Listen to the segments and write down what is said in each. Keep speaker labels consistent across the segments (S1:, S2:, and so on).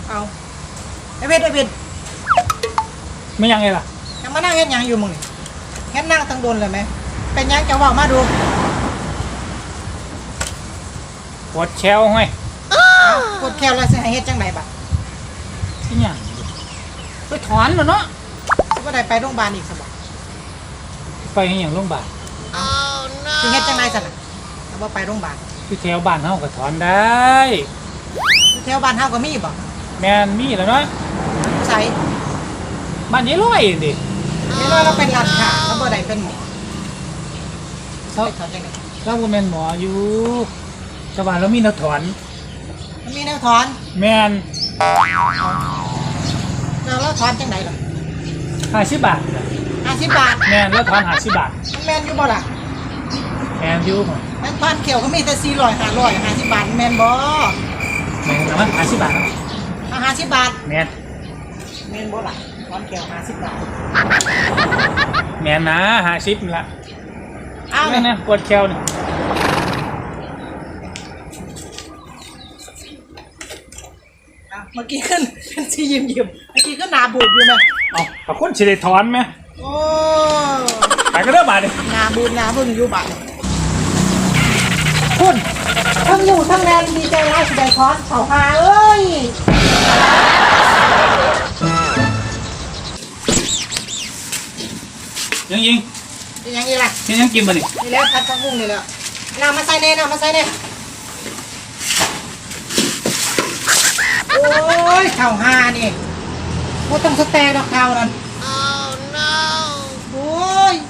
S1: เอาไอเวท
S2: ไม่ยังไงล่ะ
S1: ยังมานั่งเฮ็ดยังอยู่มึงนี่เฮ็ดนั่งตั้งโดนเลยไหมเป็นยังจะบอกมาดู
S2: ปวดแชวห้อย
S1: กดแคลแล้วสิให้เฮ็ดจังไหนบัด
S2: ที่ยังไปถอนแล้วเนาะ
S1: สิบ่ได้ไปโรงพยาบาลอีกซะบ่
S2: ไปให้อย่างโรงพยาบาล
S1: สิเฮ็ดจังไหนซั่นน่ะถ้าบ่ไปโรงพยาบาล
S2: ที่แถวบ้านเฮาก็ถอนได้
S1: แถวบ้านเฮาก็มีบ่
S2: แม่นมีแล้วเนาะ
S1: ใส่
S2: บ้านยายร้อยดิ
S1: ไม่รู้เราเป็นร้านค้าแล้วบ่ได้เป็นหมอเขาถอนจังได๋
S2: เราบ่แม่นหมออยู่ชาวบ้านเรามีแนวถอน
S1: มันมีแนวถอน
S2: แม่น
S1: เราถอนจังได๋ล่ะ
S2: 50 บาท
S1: 50 บาท
S2: แม่นแล้วถอน50 บาท
S1: แม่นอยู่บ่ล่ะ
S2: แม่นอยู่
S1: แม่นถอนเขียวก็มีแต่400 500 50 บาทแม่นบ่
S2: แม่นนะ50 บาทนะ
S1: 50 บาท
S2: แม่
S1: นบ่ล่ะถอนเขียว50 บาท
S2: แม่นนะ50นี่ล่ะ
S1: เอา
S2: เนี่ยปวดแขวนี่
S1: เมื่อกี้ขึ้นเป็นสียิ้มเมื่อกี้ก็หนาบูดอยู่ไหม
S2: ขอบคุณสิได้ถอนไหม
S1: โอ้
S2: ไปก็เริ่มบาดดิ
S1: หนาบูดหนาบึ้งอยู่บาดคุณทั้งอยู่ทั้งแรงดีใจร้ายสิได้ถอนเขาหาเอ้ย
S2: ยัง
S1: อีล่ะ
S2: ยังกินมาดิ
S1: นี่แล้วพัดทั้งมุ้งนี่แล้วน้ำมาใส่เน่โอ้ยข่าวหานี่ว่าต้องสแตนดอกข่าวนั่นโอ้ย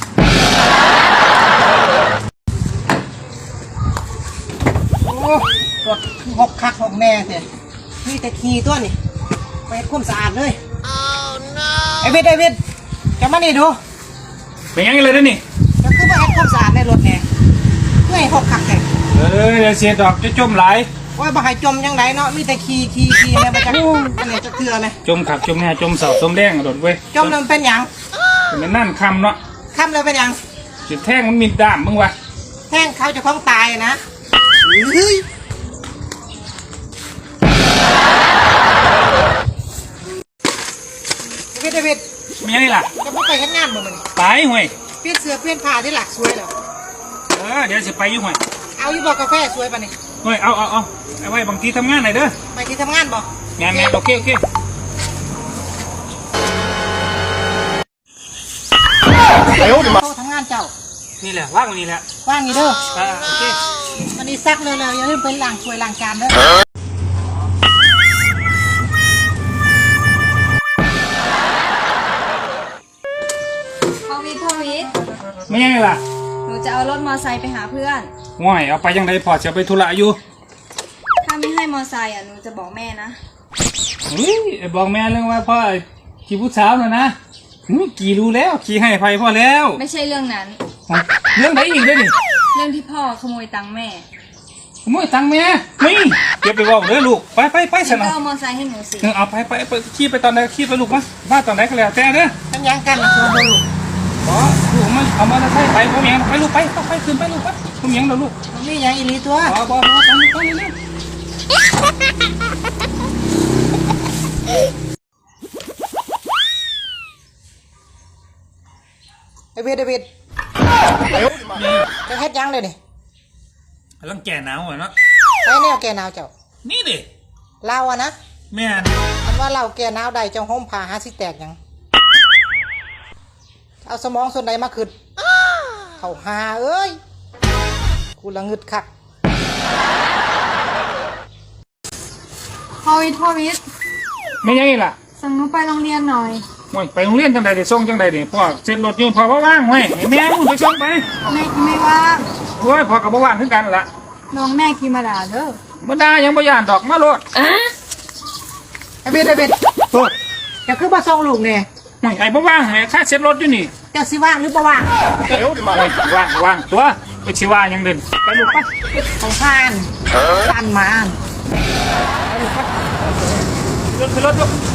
S1: โอ้รถหกคักหกแม่เถอะนี่แต่ขี่ตัวนี่ไปคุ้มสะอาดเลยไอวิทจะมานี่ดู
S2: เป็นยังไงเลยนี่
S1: จะขึ้นมาให้คุ้มสะอาดในรถแน่เพื่อให้หกคักแต่
S2: เดี๋ยวเสียดอกจะจมไหล
S1: ว่าบ่ให้จมยังไงเนาะมีแต่ขี่แม่มาจากอะไรจะเถื่อไหม
S2: จมขับจมแน่จมเสาจมแดงโดดเว้ย
S1: จมแล้วเป็นยัง
S2: เป็นนั่นคำเนาะ
S1: คำเลยเป็นยัง
S2: จุดแท่งมันมีด้ามมึงวะ
S1: แท่งเขาจะคล้องตายนะเฮ้ยเดวิด
S2: มีอะไรล่ะ
S1: จะไม่ไปทำงานบ่มัน
S2: ไปห่วย
S1: เปลี่ยนเสื้อเปลี่ยนผ้าที่หลักสวยแล้ว
S2: เดี๋ยวจะไปอยู่ห่วย
S1: เอาอยู่บอกกาแฟสวยป่ะนี่
S2: ห่วยเอาไว้บางทีทำงานไหนเด้อ
S1: ไปที่ทำงานบ่
S2: งานโอเค
S1: เขาทำงานเจ้า
S2: นี่แหละว่างนี่แหละ
S1: ว่างนี่เด้อ
S2: โอเค
S1: วันนี้ซักเลยอย่าลืมไปล้างถ้วยล้างจานเด้อ
S3: พ่อวิทย์
S2: ไม่ยังไงล่ะ
S3: หนูจะเอารถมอไซค์ไปหาเพื่อน
S2: ห่วยเอาไปยังไงพอจะไปธุระอยู่
S3: ถ้าไม่ให้มอไซค์หนูจะบอกแม่นะ
S2: บอกแม่เรื่องว่าพ่อขี่ผู้สาวน่ะนะขี่รู้แล้วขี่ให้ไปพ่อแล้ว
S3: ไม่ใช่เรื่องนั้น
S2: เรื่องไหนอีกด้วยนี่
S3: เรื่องที่พ่อขโมยตังค์แม่
S2: ขโมยตังค์แม่นี่เก็บไปบอกเลยลูกไปสนะ
S3: เอามอไซค์ให้หนูสิ
S2: เอาไปขี่ไปตอนไหนขี่ไปลูกมาบ้านตอนไหนก็แล้วแต่เด้อ
S1: ทำยังกันนะตัวลูก
S2: ลูกมันเอามอเตอร์ไซค์ไปพ่อเมียไปลูกไปขึ้นไปลูกไปพ่อเมียเราลูก
S1: นี่ยังอีลีตัว
S2: บอไปเร็ว
S1: เดวิดจะเฮ็ดยังเลยนี่
S2: กำลังแก่หนาวอ่ะเนาะ
S1: ไปแนวแก่หนาวเจ้า
S2: นี่ดิ
S1: เราอะนะ
S2: แม่
S1: อันว่าเราแก่หนาวใดเจ้าห่มผ้าหาสิแตกยังเอาสมองส่วนใดมาขึ้นเขาหาเอ้ยกูละงึดคัก
S3: พ่อวิทย์
S2: ไม่ยังไงล่ะ
S3: ส่งหนูไปโรงเรียนหน่อย
S2: ไปโรงเรียนจังใดเดี๋ยวส่งจังใดเดี๋ยวพ่อเสร็จรถอยู่พ่อว่างเว้ยแม่มึงไปส่งไป
S3: ไม่ว่าง
S2: พ่อกับว่างขึ้นกันละ
S3: น้องแม่ขี่มาด่าเด้อ
S2: มาด่ายังบ่ย่านดอกมาโลด
S1: ไอ้เบ็ด
S2: โทษ
S1: จะคือมาส่งลูกเนี่ย
S2: ไอ้บ่ว่างไอ้ค่าเสร็จรถอยู่นี่
S1: จะสิว่างหรือบ่ว่าง
S2: ว่างตัวไปชิว่ายังเดินไปลูกไป
S1: ของผ่านมารถ
S2: ถลูก